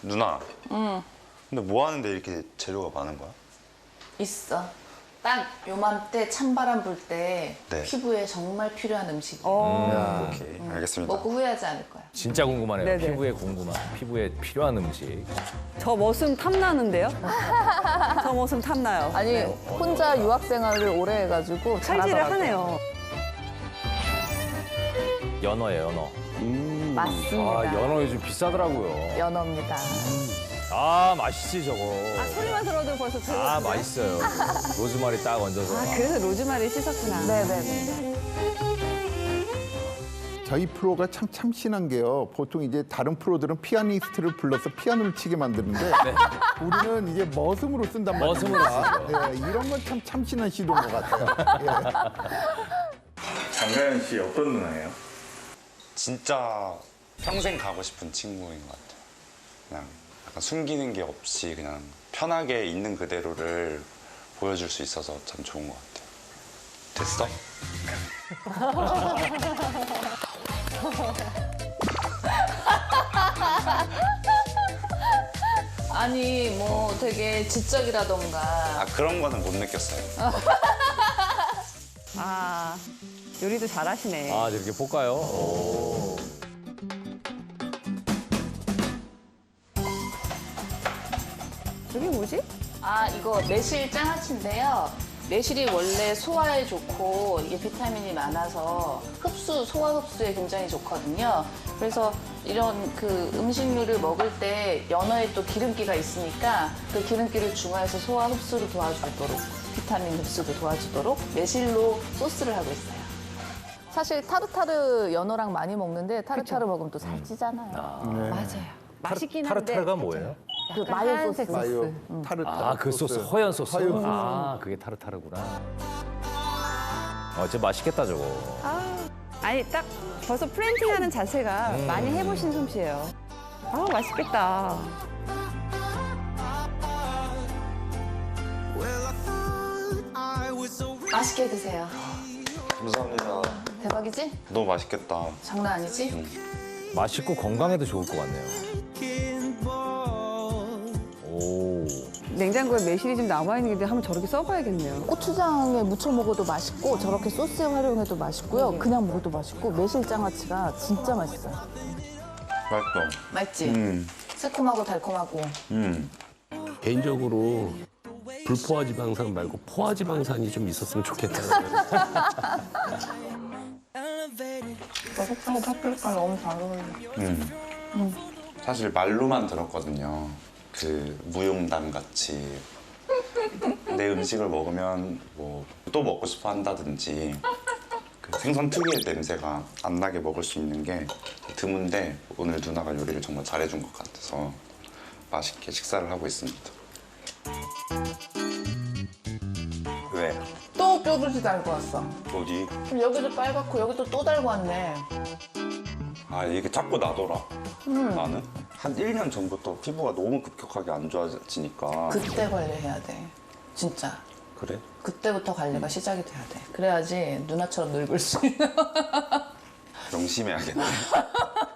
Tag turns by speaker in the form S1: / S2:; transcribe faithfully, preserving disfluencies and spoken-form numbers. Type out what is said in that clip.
S1: 누나.
S2: 응.
S1: 근데 뭐 하는데 이렇게 재료가 많은 거야?
S2: 있어. 딱 요맘때 찬바람 불 때
S1: 네.
S2: 피부에 정말 필요한 음식이야.
S3: 어.
S1: 오케이, 알겠습니다.
S2: 먹고 후회하지 않을 거야.
S4: 진짜 궁금하네요.
S3: 네네.
S4: 피부에 궁금한, 피부에 필요한 음식.
S3: 저 머슴 탐나는데요? 저 머슴 탐나요.
S5: 아니 혼자 유학 생활을 오래 해가지고
S3: 칼질을
S5: 잘하더라고요.
S3: 하네요.
S4: 연어예요, 연어.
S5: 맞습니다.
S4: 아, 연어 요즘 비싸더라고요.
S5: 연어입니다.
S4: 아, 맛있지, 저거.
S3: 아, 소리만 들어도 벌써 들어.
S4: 아, 맛있어요. 로즈마리 딱 얹어서.
S3: 아, 그래서 로즈마리 씻었구나.
S5: 네네네.
S6: 저희 프로가 참 참신한 게요. 보통 이제 다른 프로들은 피아니스트를 불러서 피아노를 치게 만드는데 우리는 이제 머슴으로 쓴단 말이에요.
S4: 머슴으로 쓰죠.
S6: 예, 이런 건 참 참신한 시도인 것 같아요.
S1: 장가연 씨 어떤 누나예요? 진짜 평생 가고 싶은 친구인 것 같아요. 그냥 약간 숨기는 게 없이 그냥 편하게 있는 그대로를 보여줄 수 있어서 참 좋은 것 같아요. 됐어?
S2: 아니 뭐 되게 지적이라던가
S1: 아 그런 거는 못 느꼈어요.
S3: 아, 요리도 잘하시네.
S4: 아, 이렇게 볶아요? 오.
S3: 저게 뭐지?
S2: 아 이거 매실 장아찌인데요. 매실이 원래 소화에 좋고 이게 비타민이 많아서 흡수, 소화 흡수에 굉장히 좋거든요. 그래서 이런 그 음식류를 먹을 때 연어에 또 기름기가 있으니까 그 기름기를 중화해서 소화 흡수를 도와주도록 비타민 흡수도 도와주도록 매실로 소스를 하고 있어요.
S5: 사실 타르타르 연어랑 많이 먹는데 타르타르 먹으면 또 살찌잖아요.
S3: 맞아요. 맛있긴 한데.
S4: 타르타르가 뭐예요?
S5: 그
S3: 약간
S5: 마요
S3: 하얀색
S5: 소스.
S6: 마요, 타르타르.
S4: 아, 그 소스, 허연 소스.
S6: 허연 소스.
S4: 아, 그게 타르타르구나. 어, 진짜 맛있겠다, 저거.
S3: 아, 아니, 딱 벌써 프렌팅하는 자체가 많이 해보신 솜씨예요. 아, 맛있겠다.
S2: 맛있게 드세요.
S1: 감사합니다.
S2: 대박이지?
S1: 너무 맛있겠다.
S2: 장난 아니지?
S4: 맛있고 건강에도 좋을 것 같네요. 오.
S3: 냉장고에 매실이 좀 남아있는 게 한번 저렇게 써봐야겠네요.
S5: 고추장에 무쳐 먹어도 맛있고 저렇게 소스에 활용해도 맛있고요. 그냥 먹어도 맛있고 매실 장아찌가 진짜 맛있어요.
S1: 맛있어.
S2: 맛있지?
S1: 음,
S2: 새콤하고 달콤하고.
S1: 음.
S7: 개인적으로 불포화지방산 말고 포화지방산이 좀 있었으면 좋겠다.
S2: 버섯하고 파프리카 너무 잘 어울려.
S1: 음. 사실 말로만 들었거든요. 그 무용담 같이 내 음식을 먹으면 뭐 또 먹고 싶어 한다든지 그 생선 특유의 냄새가 안 나게 먹을 수 있는 게 드문데 오늘 누나가 요리를 정말 잘해준 것 같아서 맛있게 식사를 하고 있습니다. 왜?
S2: 또 뾰루지 달고 왔어.
S1: 어디?
S2: 그럼 여기도 빨갛고 여기도 또 달고 왔네.
S1: 아 이게 자꾸 나더라. 나는 한 일 년 전부터 피부가 너무 급격하게 안 좋아지니까.
S2: 그때 관리해야 돼. 진짜.
S1: 그래?
S2: 그때부터 관리가 시작이 돼야 돼. 그래야지 누나처럼 늙을 수 있는.
S1: 명심해야겠네.